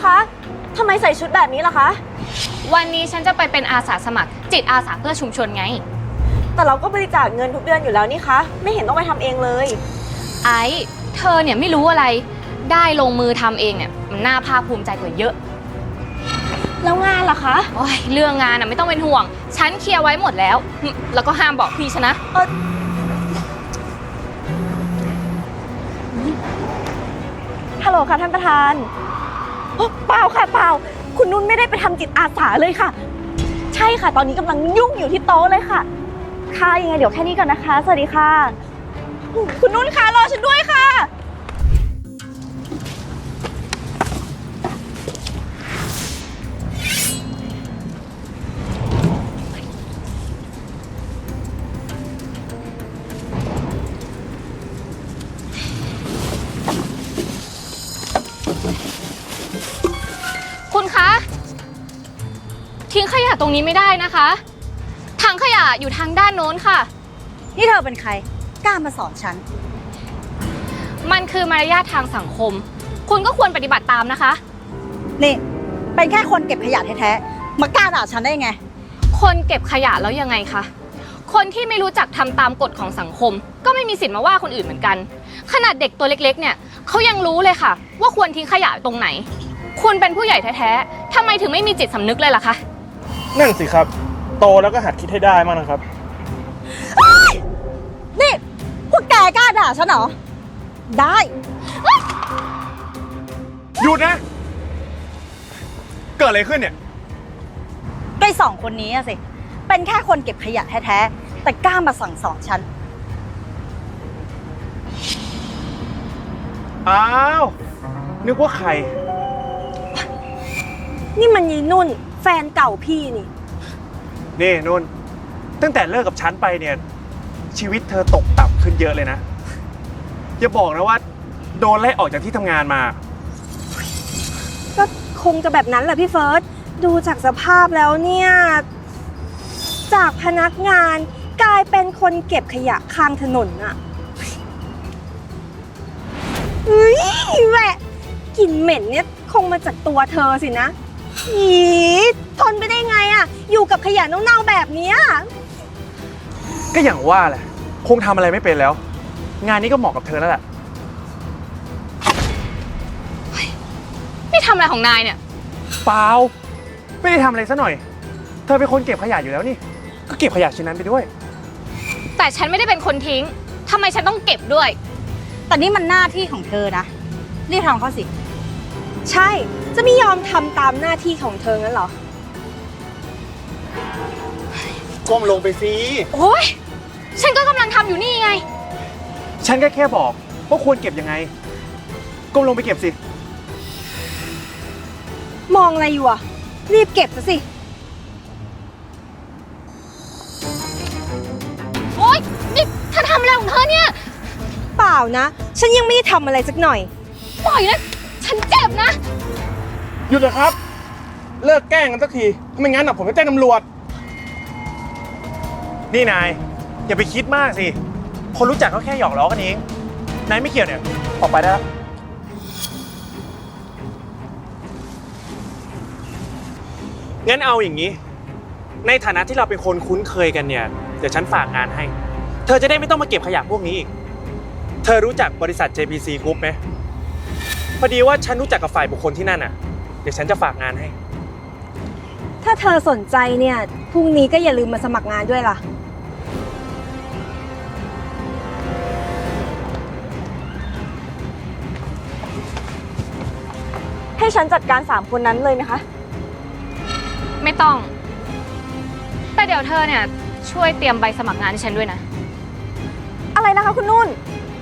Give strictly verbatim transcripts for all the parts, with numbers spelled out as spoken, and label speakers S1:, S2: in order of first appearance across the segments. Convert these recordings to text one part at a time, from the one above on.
S1: คะทำไมใส่ชุดแบบนี้ล่ะคะ
S2: วันนี้ฉันจะไปเป็นอาสาสมัครจิตอาสาเพื่อชุมชนไง
S1: แต่เราก็บริจาคเงินทุกเดือนอยู่แล้วนี่คะไม่เห็นต้องไปทำเองเลย
S2: ไอ้เธอเนี่ยไม่รู้อะไรได้ลงมือทำเองเนี่ยมันน่าภาคภูมิใจกว่าเยอะ
S1: แล้วงานล่ะคะ
S2: โอ้ยเรื่องงานน่ะไม่ต้องเป็นห่วงฉันเคลียร์ไว้หมดแล้วแล้วก็ห้ามบอกพี่ฉันนะ
S1: เออฮัลโหลค่ะท่านประธานเปล่าค่ะเปล่าคุณนุ่นไม่ได้ไปทำจิตอาสาเลยค่ะใช่ค่ะตอนนี้กำลังยุ่งอยู่ที่โต๊ะเลยค่ะค่ะยังไงเดี๋ยวแค่นี้ก่อนนะคะสวัสดีค่ะคุณนุ่นคะรอฉันด้วยค่ะ
S2: คุณคะทิ้งขยะตรงนี้ไม่ได้นะคะถังขยะอยู่ทางด้านโน้นค่ะ
S3: นี่เธอเป็นใครกล้ามาสอนฉัน
S2: มันคือมารยาททางสังคมคุณก็ควรปฏิบัติตามนะคะ
S3: นี่เป็นแค่คนเก็บขยะแท้ๆมากล้าด่าฉันได้ไง
S2: คนเก็บขยะแล้วยังไงคะคนที่ไม่รู้จักทำตามกฎของสังคมก็ไม่มีสิทธิ์มาว่าคนอื่นเหมือนกันขนาดเด็กตัวเล็กๆเนี่ยเขายังรู้เลยค่ะว่าควรทิ้งขยะตรงไหนคุณเป็นผู้ใหญ่แท้ๆทำไมถึงไม่มีจิตสำนึกเลยล่ะคะ
S4: นั่นสิครับโตแล้วก็หัดคิดให้ได้มากนะครับ
S3: นี่พวกแกกล้าด่าฉันเหรอได้
S4: หยุดนะเกิดอะไรขึ้นเนี่ย
S3: ไอ้สองคนนี้อะสิเป็นแค่คนเก็บขยะแท้ๆแต่กล้ามาสั่งสอนฉัน
S4: อ้าวนึกว่าใคร
S1: นี่มันยีนุ่นแฟนเก่าพี่นี่
S4: นี่นุ่นตั้งแต่เลิกกับฉันไปเนี่ยชีวิตเธอตกต่ำขึ้นเยอะเลยนะอย่าบอกนะว่าโดนไล่ออกจากที่ทำงานมา
S1: ก็คงจะแบบนั้นแหละพี่เฟิร์สดูจากสภาพแล้วเนี่ยจากพนักงานกลายเป็นคนเก็บขยะข้างถนนอะเฮ้ยแหวะกลิ่นเหม็นเนี่ยคงมาจากตัวเธอสินะอีทนไปได้ไงอะอยู่กับขยะเน่าๆแบบนี้
S4: ก็อย่างว่าแหละคงทำอะไรไม่เป็นแล้วงานนี้ก็เหมาะกับเธอแล้วแหละ
S2: นี่ทำอะไรของนายเนี่ย
S4: เปล่าไม่ได้ทำอะไรซะหน่อยเธอเป็นคนเก็บขยะอยู่แล้วนี่ก็เก็บขยะชิ้นนั้นไปด้วย
S2: แต่ฉันไม่ได้เป็นคนทิ้งทำไมฉันต้องเก็บด้วย
S3: แต่นี่มันหน้าที่ของเธอนะรีบทำเขาสิ
S1: ใช่จะไม่ยอมทำตามหน้าที่ของเธองั้นเหรอ
S4: ก้มลงไปสิ
S2: โอ๊ยฉันก็กำลังทำอยู่นี่ไง
S4: ฉันก็แค่บอกว่าควรเก็บยังไงก้มลงไปเก็บสิ
S1: มองอะไรอยู่อ่ะรีบเก็บซะสิ
S2: โอ๊ยนี่เธอทำอะไรของเธอเนี่ย
S1: เปล่านะฉันยังไม่ได้ทำอะไรสักหน่อย
S2: ปล่อยนะฉันเจ็บนะ
S4: หยุดเลยครับเลิกแกล้งกันสักทีไม่งั้นผมจะแจ้งตำรวจนี่นายอย่าไปคิดมากสิคนรู้จักเขาแค่หยอกล้อกันเองนายไม่เกี่ยวเนี่ยออกไปได้แล้วงั้นเอาอย่างนี้ในฐานะที่เราเป็นคนคุ้นเคยกันเนี่ยเดี๋ยวฉันฝากงานให้เธอจะได้ไม่ต้องมาเก็บขยะพวกนี้อีกเธอรู้จักบริษัท เจ พี ซี Group ไหมพอดีว่าฉันรู้จักกับฝ่ายบุคคลที่นั่นน่ะเดี๋ยวฉันจะฝากงานให้
S1: ถ้าเธอสนใจเนี่ยพรุ่งนี้ก็อย่าลืมมาสมัครงานด้วยล่ะให้ฉันจัดการสามคนนั้นเลยไหมคะ
S2: ไม่ต้องแต่เดี๋ยวเธอเนี่ยช่วยเตรียมใบสมัครงานให้ฉันด้วยนะ
S1: อะไรนะคะคุณนุ่น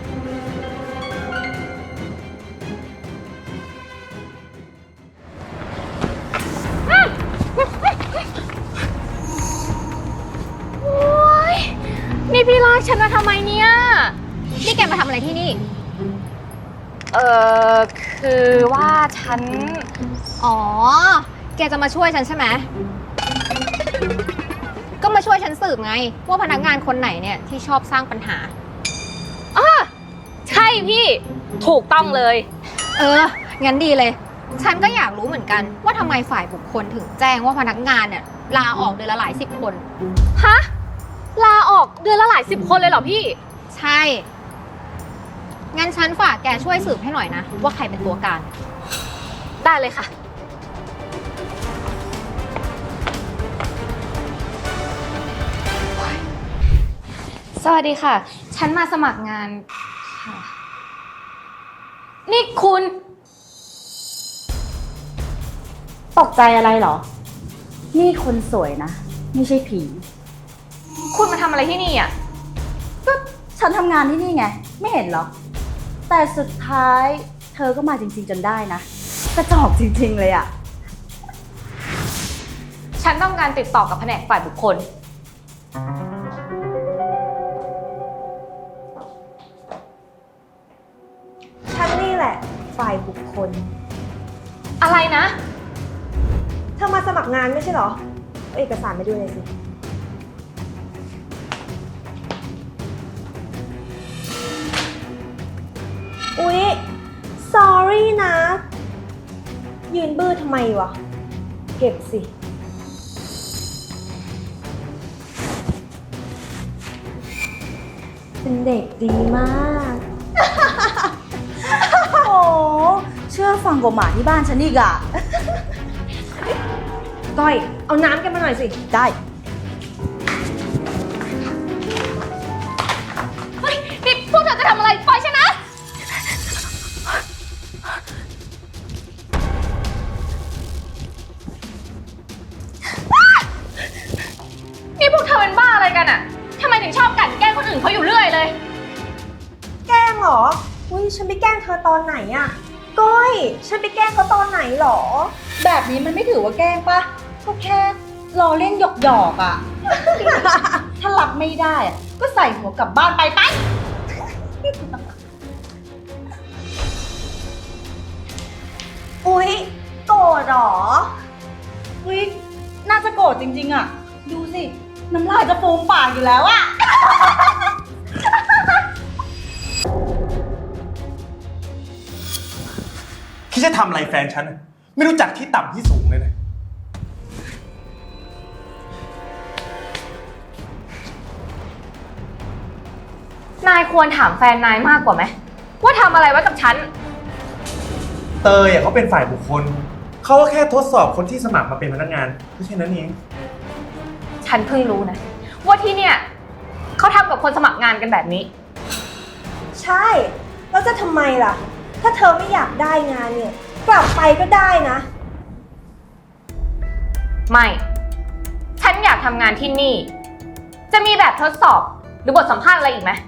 S2: โอ๊ยนี่พี่ลากฉันมาทำไมเนี่ยนี่แกมาทำอะไรที่นี่เออคือว่าฉันอ๋อแกจะมาช่วยฉันใช่ไหมก็มาช่วยฉันสืบไงว่าพนักงานคนไหนเนี่ยที่ชอบสร้างปัญหาอ๋อใช่พี่ถูกต้องเลยเอองั้นดีเลย
S5: ฉันก็อยากรู้เหมือนกันว่าทำไมฝ่ายบุคคลถึงแจ้งว่าพนักงานเนี่ยลาออกเดือนละหลายสิบคน
S2: ฮะ ลาออกเดือนละหลายสิบคนเลยเหรอพี่
S5: ใช่ งั้นฉันฝากแกช่วยสืบให้หน่อยนะ ว่าใครเป็นตัวการ
S2: ได้เลยค่ะ สวัสดีค่ะ ฉันมาสมัครงานค่ะ นี่คุณ
S3: ตกใจอะไรเหรอ นี่คนสวยนะ ไม่ใช่ผี
S2: คุณมาทำอะไรที่นี่อ่ะ
S3: ก็ฉันทำงานที่นี่ไง ไม่เห็นเหรอ แต่สุดท้ายเธอก็มาจริงๆจนได้นะกระจอกจริงๆเลยอะ
S2: ฉันต้องการติดต่อกับแผนกฝ่ายบุคคล
S1: ฉันนี่แหละฝ่ายบุคคล
S2: อะไรนะ
S1: เธอมาสมัครงานไม่ใช่เหรอเอาเอกสารมาดูหน่อยสิ อุ๊ย sorry นะ ยืนบื้อทำไมวะ เก็บสิ เป็นเด็กดีมาก
S3: โอ้เชื่อฟังกว่าหมาที่บ้านฉันอีกอะ
S1: ก้อย เอาน้ำกันมาหน่อยสิ
S3: ได้
S2: เฮ้ย นี่พวกเธอจะทำอะไร ปล่อยฉันนะ นี่พวกเธอเป็นบ้าอะไรกันอะทำไมถึงชอบกลั่นแกล้งคนอื่นเขาอยู่เรื่อยเลย
S1: แกล้งเหรอ อุ้ยฉันไปแกล้งเธอตอนไหนอะก้อย ฉันไปแกล้งเขาตอนไหนหรอ
S3: แบบนี้มันไม่ถือว่าแกล้งปะก็แค่รอเล่นหยอกๆอะ ถ้ารับไม่ได้อะก็ใส่หัวกลับบ้านไปไป
S1: อุ๊ย โกรธเหรอ
S3: อุ๊ยน่าจะโกรธจริงๆอะดูสิ น้ำลายจะฟูมปากอยู่แล้วอะ
S4: คิดจะทำอะไรแฟนฉันอะไม่รู้จักที่ต่ำที่สูงเลยนะ
S2: นายควรถามแฟนนายมากกว่าไหมว่าทำอะไรไว้กับฉัน
S4: เตยอะเขาเป็นฝ่ายบุคคล เขาก็แค่ทดสอบคนที่สมัครมาเป็นพนักงานไม่ใช่นั้นเอง
S2: ฉันเพิ่งรู้นะ ว่าที่เนี่ยเขาทำกับคนสมัครงานกันแบบนี้
S1: ใช่ แล้วจะทำไมล่ะ ถ้าเธอไม่อยากได้งานเนี่ย กลับไปก็ได้นะ
S2: ไม่ ฉันอยากทำงานที่นี่ จะมีแบบทดสอบหรือบทสัมภาษณ์อะไรอีกไหม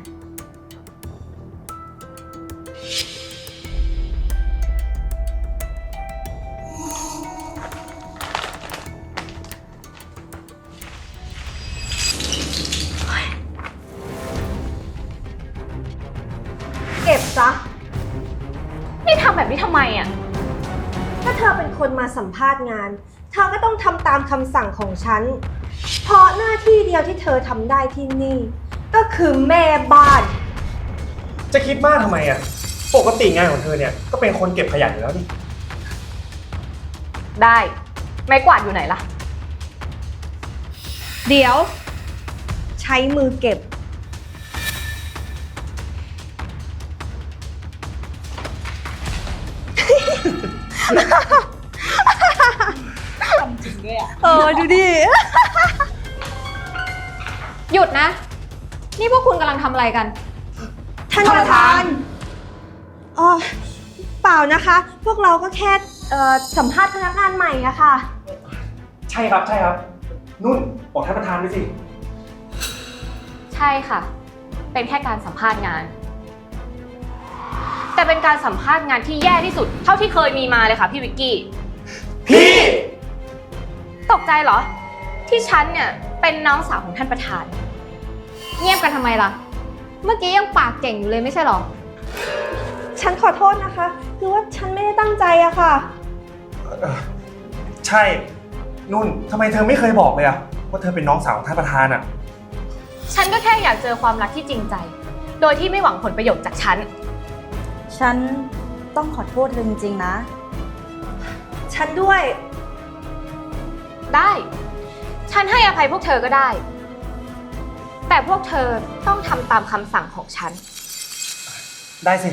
S1: เก็บซะ
S2: นี่ทำแบบนี้ทำไมอ่ะ
S1: ถ้าเธอเป็นคนมาสัมภาษณ์งาน เธอก็ต้องทำตามคำสั่งของฉัน เพราะหน้าที่เดียวที่เธอทำได้ที่นี่ ก็คือแม่บ้าน
S4: จะคิดมากทำไมอะปกติงานของเธอเนี่ยก็เป็นคนเก็บขยะอยู่แล้วนี่
S2: ได้ ไม้กวาดอยู่ไหนล่ะ
S1: เดี๋ยว ใช้มือเก็บ
S3: จริงด้วยอะ
S1: เออ ดูดิ
S5: หยุดนะ นี่พวกคุณกำลังทำอะไรกัน
S1: ท่านประธานอ๋อเปล่านะคะ พวกเราก็แค่เอ่อสัมภาษณ์พนักงานใหม่อะค่ะ
S4: ใช่ครับใช่ครับ นุ่นบอกท่านประธานไปสิ
S2: ใช่ค่ะ เป็นแค่การสัมภาษณ์งาน แต่เป็นการสัมภาษณ์งานที่แย่ที่สุด เท่าที่เคยมีมาเลยค่ะพี่วิกกี้
S4: พี่
S2: ตกใจเหรอ ที่ฉันเนี่ยเป็นน้องสาวของท่านประธาน
S5: เงียบกันทำไมล่ะ เมื่อกี้ยังปากเก่งอยู่เลยไม่ใช่หรอ
S1: ฉันขอโทษนะคะ คือว่าฉันไม่ได้ตั้งใจอะค่ะ
S4: ใช่ นุ่นทำไมเธอไม่เคยบอกเลยอะว่าเธอเป็นน้องสาวของท่านประธานอะ
S2: ฉันก็แค่อยากเจอความรักที่จริงใจ โดยที่ไม่หวังผลประโยชน์จากฉัน
S3: ฉันต้องขอโทษเธอจริงๆนะ
S1: ฉันด้วย
S2: ได้ ฉันให้อภัยพวกเธอก็ได้ แต่พวกเธอต้องทำตามคำสั่งของฉัน
S4: ได้สิ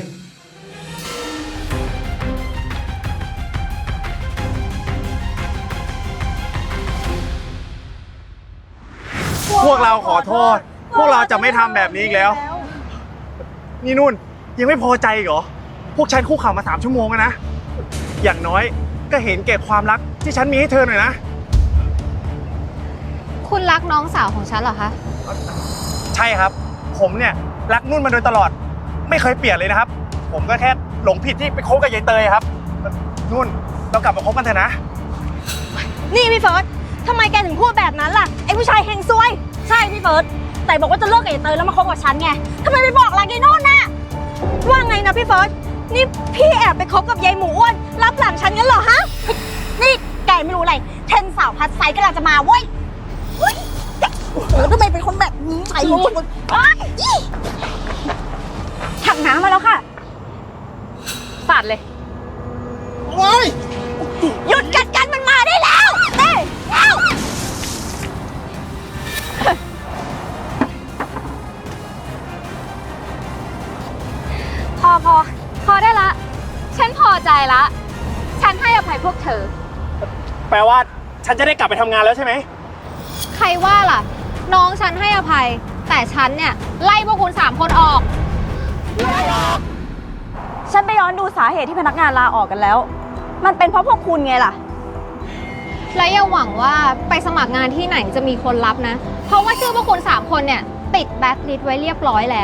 S4: พวกเราขอโทษ พวกเราจะไม่ทำแบบนี้อีกแล้ว นี่นุ่นยังไม่พอใจอีกเหรอ พวกฉันคู่เข่ามาสามชั่วโมงแล้วนะ อย่างน้อยก็เห็นแก่ความรักที่ฉันมีให้เธอหน่อยนะ
S5: คุณรักน้องสาวของฉันเหรอคะ
S4: ใช่ครับ ผมเนี่ยรักนุ่นมาโดยตลอด ไม่เคยเปลี่ยนเลยนะครับ ผมก็แค่หลงผิดที่ไปคบกับยายเตยครับ นุ่นเรากลับมาคบกันเถอะนะ
S1: นี่พี่เฟิร์สทำไมแกถึงพูดแบบนั้นล่ะ ไอ้ผู้ชายเฮงซวย ใช่พี่เฟิร์สแต่บอกว่าจะเลิกกับไอ้เตยแล้วมาคบกับฉันไงทำไมไปบอกรักยายโน่นน่ะ ว่าไงนะพี่เฟิร์สนี่พี่แอบไปคบกับยายหมูอ้วนรับหลังฉันงั้นเหรอฮะ นี่แกไม่รู้อะไรเทนสาวพัดไซกำลังจะมาเว้ยเฮ้ยเออทำไมเป็นคนแบบนี้ไอ้ลูกถังน้ำมาแล้วค่ะ
S2: สาดเลย
S1: หยุดกัดกันมันมาได้แล้วเต้แล้ว
S2: พอพอพอได้ละ ฉันพอใจละ ฉันให้อภัยพวกเธอ
S4: แปลว่าฉันจะได้กลับไปทำงานแล้วใช่ไหม
S5: ใครว่าล่ะ น้องฉันให้อภัย แต่ฉันเนี่ยไล่พวกคุณสามคนออก
S1: ฉันไปย้อนดูสาเหตุที่พนักงานลาออกกันแล้ว มันเป็นเพราะพวกคุณไงล่ะ
S5: และอย่าหวังว่าไปสมัครงานที่ไหนจะมีคนรับนะ เพราะว่าชื่อพวกคุณสามคนเนี่ยติดแบ็คลิสต์ไว้เรียบร้อยแล้ว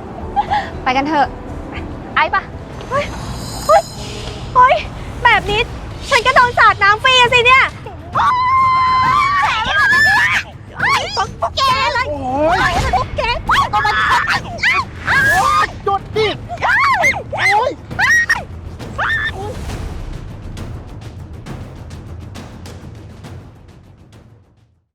S5: ไปกันเถอะ
S2: ไอ้ปะ
S1: เฮ้ย แบบนี้